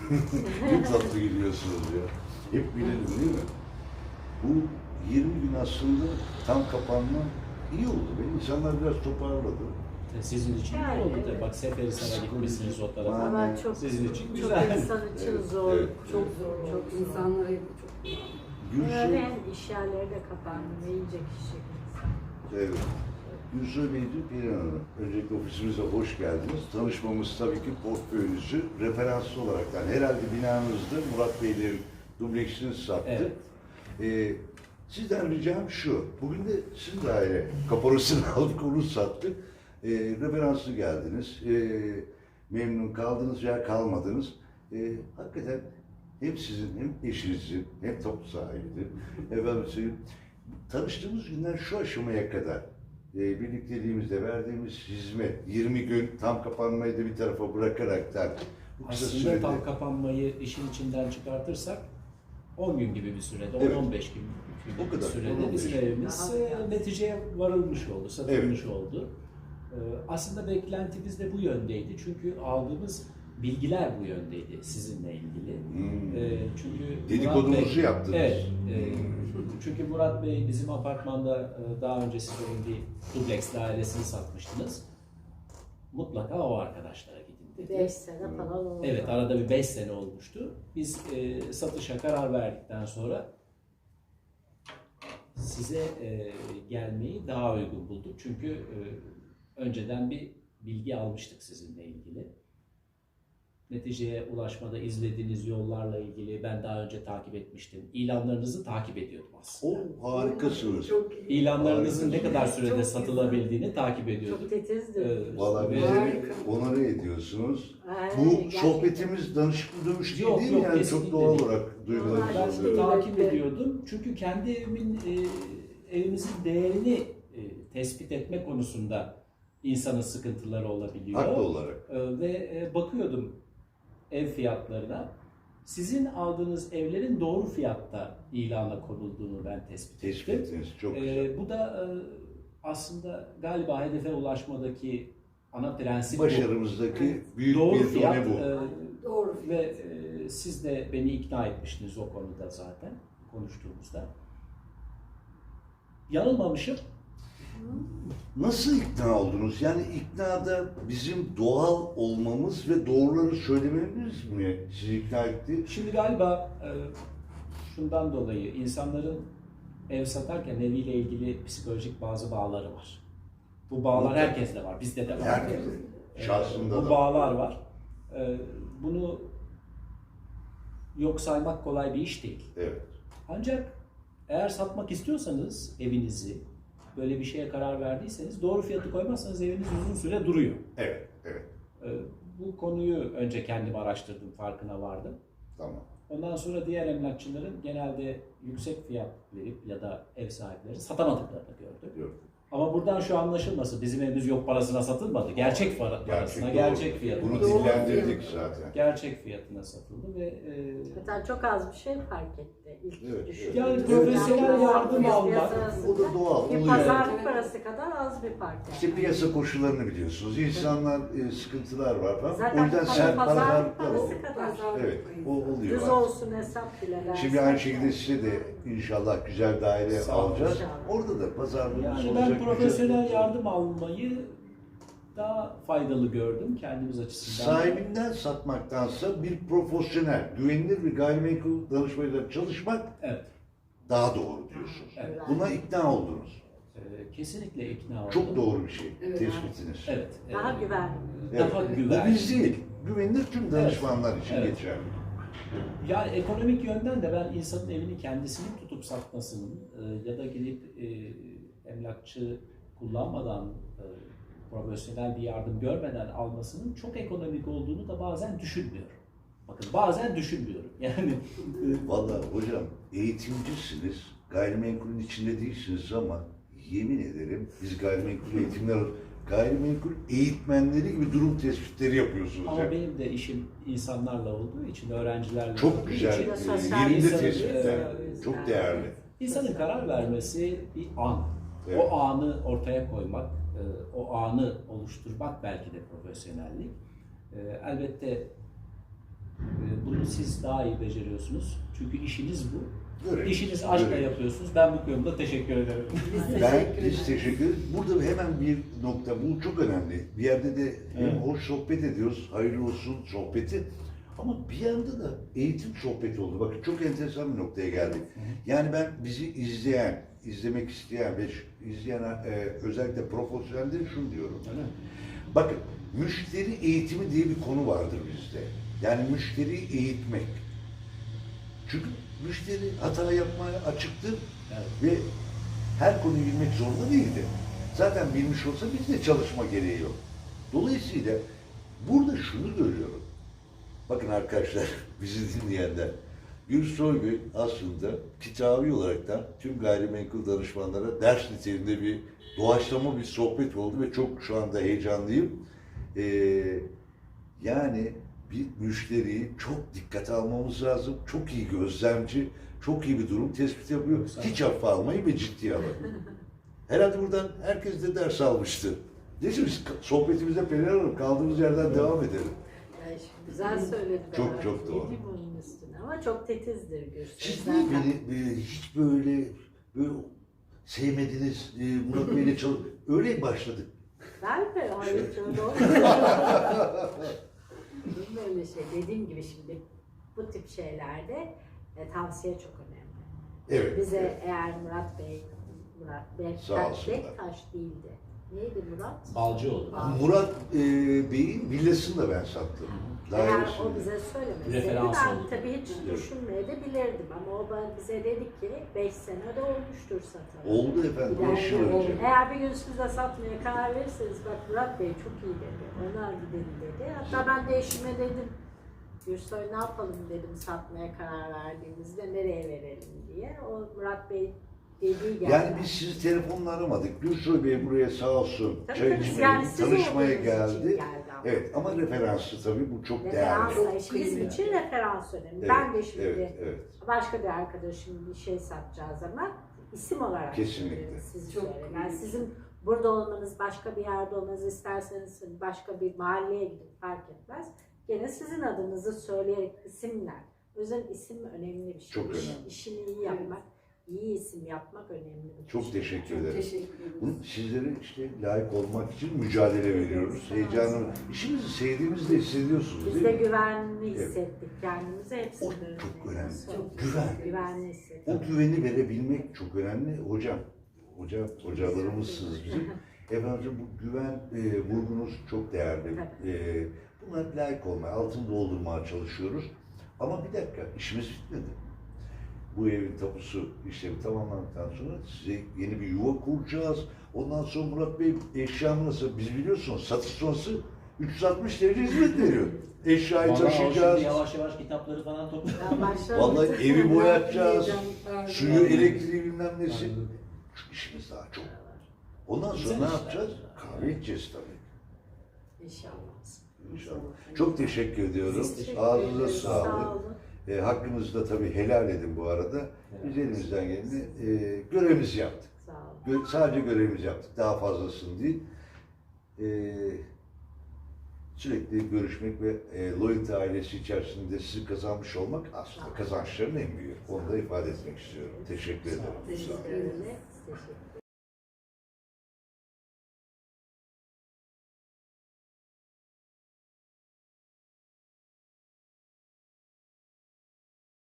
Ne tatlı gidiyorsunuz ya. Hep bilelim değil mi? Bu 20 gün aslında tam kapanma iyi oldu. İnsanlar biraz toparladı. Sizin için iyi Yani, oldu evet. tabii. Bak Seferihisar'a gitmişsiniz o tarafa. Ama çok, Sizin için çok güzel. insan için Evet, zor, evet. çok zor, çok insanlara çok Öyle Gülsü, hem iş yerleri de kapandı, ne yiyecek içecek insan. evet. Gülsü Beyci, Perihan Hanım. Öncelikle ofisimize hoş geldiniz. Tanışmamız tabii ki portföyünüzü referanslı olarak, yani herhalde binanızda Murat Beylerin dubleksini sattık. Evet. Sizden ricam şu, bugün de sizin daire kaporasını aldık, onu sattık. Referanslı geldiniz, memnun kaldınız veya kalmadınız. Hakikaten hem sizin hem eşinizin hem tapu sahibidir. Efendim söyleyeyim, tanıştığımız günden şu aşamaya kadar birlikteliğimizde verdiğimiz hizmet, 20 gün tam kapanmayı da bir tarafa bırakaraktan bu kısa Aslında sürede... tam kapanmayı işin içinden çıkartırsak 10 gün gibi bir sürede, Evet. 10-15 gün O gibi kadar, bir sürede 10-15 bizim gün. evimiz neticeye varılmış oldu, satılmış oldu. Aslında beklentimiz de bu yöndeydi. Çünkü aldığımız bilgiler bu yöndeydi sizinle ilgili. Çünkü Dedikodunuzu yaptınız. Evet. Çünkü Murat Bey bizim apartmanda daha önce siz onun bir dubleks dairesini satmıştınız. Mutlaka o arkadaşlara gidin dedi. 5 sene falan oldu. Evet, arada bir 5 sene olmuştu. Biz satışa karar verdikten sonra size gelmeyi daha uygun bulduk. Çünkü önceden bir bilgi almıştık sizinle ilgili. Neticeye ulaşmada izlediğiniz yollarla ilgili ben daha önce takip etmiştim. İlanlarınızı takip ediyordum aslında. O harikasınız. Çok iyi. İlanlarınızın ne kadar Çok sürede güzel. satılabildiğini takip ediyordum. Çok titizdir. Valla Ve- bizi Harika. onarı ediyorsunuz. Aynen, Bu gerçekten. sohbetimiz danışıklı dövüş değil, Yok, değil mi? yok, Yani kesinlikle çok doğal değil. olarak duygularımız Normal Ben oluyor. takip ediyordum. Çünkü kendi evimizin değerini tespit etme konusunda insanın sıkıntıları olabiliyor. Haklı olarak. Ve bakıyordum ev fiyatlarına. Sizin aldığınız evlerin doğru fiyatta ilana konulduğunu ben tespit Tespit ettim. ettiniz. Çok güzel. Bu da aslında galiba hedefe ulaşmadaki ana prensip bu. Başarımızdaki büyük Doğru bir fiyat done bu. Doğru. ve siz de beni ikna etmiştiniz o konuda zaten konuştuğumuzda. Yanılmamışım. Nasıl ikna oldunuz? Yani iknada bizim doğal olmamız ve doğruları söylememiz mi sizi ikna etti? Şimdi galiba şundan dolayı insanların ev satarken eviyle ilgili psikolojik bazı bağları var. Bu bağlar herkeste var, bizde de var. Herkese. Şahsında Bu da. bağlar var. Bunu yok saymak kolay bir iş değil. Evet. Ancak eğer satmak istiyorsanız evinizi, böyle bir şeye karar verdiyseniz doğru fiyatı koymazsanız eviniz uzun süre duruyor. Evet. Evet. Bu konuyu önce kendim araştırdım, farkına vardım. Tamam. Ondan sonra diğer emlakçıların genelde yüksek fiyat verip ya da ev sahipleri satamadıklarını gördüm. Gördüm. Ama buradan şu anlaşılması, bizim evimiz yok parasına satılmadı. Gerçek parasına, doğru. gerçek fiyatına. Bunu Doğru dillendirdik fiyat. zaten. Gerçek fiyatına satıldı ve Hatta çok az bir şey fark etti. İlk Evet, düşündüğüm. yani profesyonel yardım almak, O da doğal. Bir Oluyor. pazarlık parası kadar az bir fark. yani. İşte piyasa koşullarını biliyorsunuz. İnsanlar sıkıntılar var falan. Zaten O yüzden sert pazarlık paralar var. parası kadar. Evet, o oluyor. Düz olsun hesap bile versen. Şimdi aynı şekilde size de inşallah güzel daire Sağ olun. alacağız. İnşallah. Orada da pazarlığımız yani olacak. ben profesyonel güzel. yardım almayı daha faydalı gördüm kendimiz açısından. Sahibinden satmaktansa bir profesyonel, güvenilir bir gayrimenkul danışmayla çalışmak Evet. daha doğru diyorsunuz. Evet. Buna ikna oldunuz. Kesinlikle ikna oldum. Çok doğru bir şey. Evet. Tespitiniz. Evet. Daha güvenli. Daha Evet. güvenli. Bu biz değil. Güvenilir tüm danışmanlar için Evet. geçerli. Yani ekonomik yönden de ben insanın evini kendisinin tutup satmasının ya da gidip emlakçı kullanmadan profesyonel bir yardım görmeden almasının çok ekonomik olduğunu da bazen düşünmüyorum. Bakın bazen düşünmüyorum. Yani Vallahi hocam eğitimcisiniz, gayrimenkulün içinde değilsiniz ama yemin ederim biz gayrimenkul eğitimler gayrimenkul eğitmenleri gibi durum tespitleri yapıyorsunuz. ama ya. benim de işim insanlarla olduğu için, öğrencilerle Çok olduğu güzel, için sosyal yerinde insanın, tespitler. e, Çok değerli. insanın karar vermesi bir an. Evet. O anı ortaya koymak, o anı oluşturmak belki de profesyonellik. Elbette Bunu siz daha iyi beceriyorsunuz. Çünkü işiniz bu. Görev. İşiniz aşkla Görev. yapıyorsunuz. Ben bu konuda teşekkür ederim. Biz teşekkür ederiz. Burada hemen bir nokta, bu çok önemli. Bir yerde de hem Evet. hoş sohbet ediyoruz, hayırlı olsun sohbeti. Ama bir yanda da eğitim sohbeti oldu. Bakın çok enteresan bir noktaya geldik. Yani ben bizi izleyen, izlemek isteyen ve izleyen özellikle profesyonelde şunu diyorum. Öyle mi? Bakın, müşteri eğitimi diye bir konu vardır bizde. Yani müşteriyi eğitmek. Çünkü müşteri hata yapmaya açıktır Evet. ve her konuyu bilmek zorunda değildir. Zaten bilmiş olsa bizde çalışma gereği yok. Dolayısıyla burada şunu görüyorum. Bakın arkadaşlar, bizi dinleyenler, Gürsoy Bey aslında kitabi olaraktan tüm gayrimenkul danışmanlara ders niteliğinde bir doğaçlama bir sohbet oldu ve çok şu anda heyecanlıyım. Yani bir müşteriyi çok dikkate almamız lazım. Çok iyi gözlemci, çok iyi bir durum tespit yapıyor. Hiç hafife almayı ve ciddiye alın. Herhalde buradan herkes de ders almıştır. Neyse biz sohbetimize Pelin Hanım kaldığımız yerden devam edelim. Yani şimdi güzel söyledi. Çok çok doğru. Yedim onun üstüne ama çok tetizdir Gürsel. Siz niye beni hiç böyle sevmediniz, Murat Bey'le öyle başladık. Ben mi? Hayır şöyle olmuyor. Böyle şey. Dediğim gibi şimdi bu tip şeylerde tavsiye çok önemli. Evet. Bize evet. eğer Murat Sağ olsunlar. Bektaş değildi. Neydi Murat? Balcıoğlu. Murat Bey'in villasını da ben sattım. Eğer Dairesini. o bize söylemeseydi Referans ben oldu. tabii hiç düşünmeyebilirdim ama o bize dedi ki 5 sene de olmuştur satalı. Oldu efendim, 5 yıl önce. Eğer bir gün siz de satmaya karar verirseniz bak Murat Bey çok iyi dedi, onlar gidelim dedi. Hatta ben de eşime dedim, Gürsoy ne yapalım dedim satmaya karar verdiğimizde nereye verelim diye. O Murat Bey dediği geldi. Yani biz sizi telefonla aramadık. Gürsoy Bey buraya sağ olsun Tabii çay tabii, içmeye, yani siz tanışmaya olduğunuz için geldi. ama. Evet ama referanslı tabii bu çok Referans değerli. da bizim için referans önemli. Evet, Ben de şimdi evet. başka bir arkadaşım bir şey satacağı zaman isim olarak Kesinlikle. sizi Çok söylerim. Yani iyi. sizin burada olmanız, başka bir yerde olmanız isterseniz başka bir mahalleye gidip fark etmez. Gene sizin adınızı söyleyerek isimler. O yüzden isim önemli bir şey. Çok önemli. İşini iyi yapmak, iyi isim yapmak önemli bir Çok şey. teşekkür ederim. Teşekkür ederim. Bunu sizlere işte layık olmak için mücadele veriyoruz. Heyecanlı. İşimizi sevdiğimizi de hissediyorsunuz Biz değil de mi? güvenli Evet. hissettik kendimizi O hepsinde. çok önemli. Çok Güven. Güvenli hissettik. O güveni verebilmek çok önemli. Hocalarımızsınız bizim. Efendim bu güven vurgunuz çok değerli. Buna layık olmaya, altını doldurmaya çalışıyoruz. Ama bir dakika, işimiz bitmedi. Bu evin tapusu işlemi tamamlandıktan sonra size yeni bir yuva kuracağız. Ondan sonra Murat Bey eşyamı nasıl, biz biliyorsunuz satış sonrası 360 derece hizmet veriyor. Eşyayı Vallahi o taşıyacağız. şimdi yavaş yavaş kitapları falan topluyor. Ben başladım. Vallahi evi boyatacağız. Pardon. Suyu, elektriği bilmem nesi. Şu işimiz daha çok. Ondan sonra Güzel ne işler. yapacağız? Kahve içeceğiz tabii. İnşallah. İnşallah. Çok teşekkür ediyorum. Biz teşekkür Ağzınıza ederiz. Sağ sağlık. olun. Hakkınızı da tabii helal edin bu arada. Biz elimizden geleni görevimizi yaptık. Sağ olun. Sadece görevimizi yaptık. Daha fazlasını değil. Sürekli görüşmek ve Loyalty ailesi içerisinde sizi kazanmış olmak aslında kazançların en büyüğü. Onu da ifade etmek istiyorum. Teşekkür ederim. Teşekkür Sağ olun. ederim. Teşekkür ederim.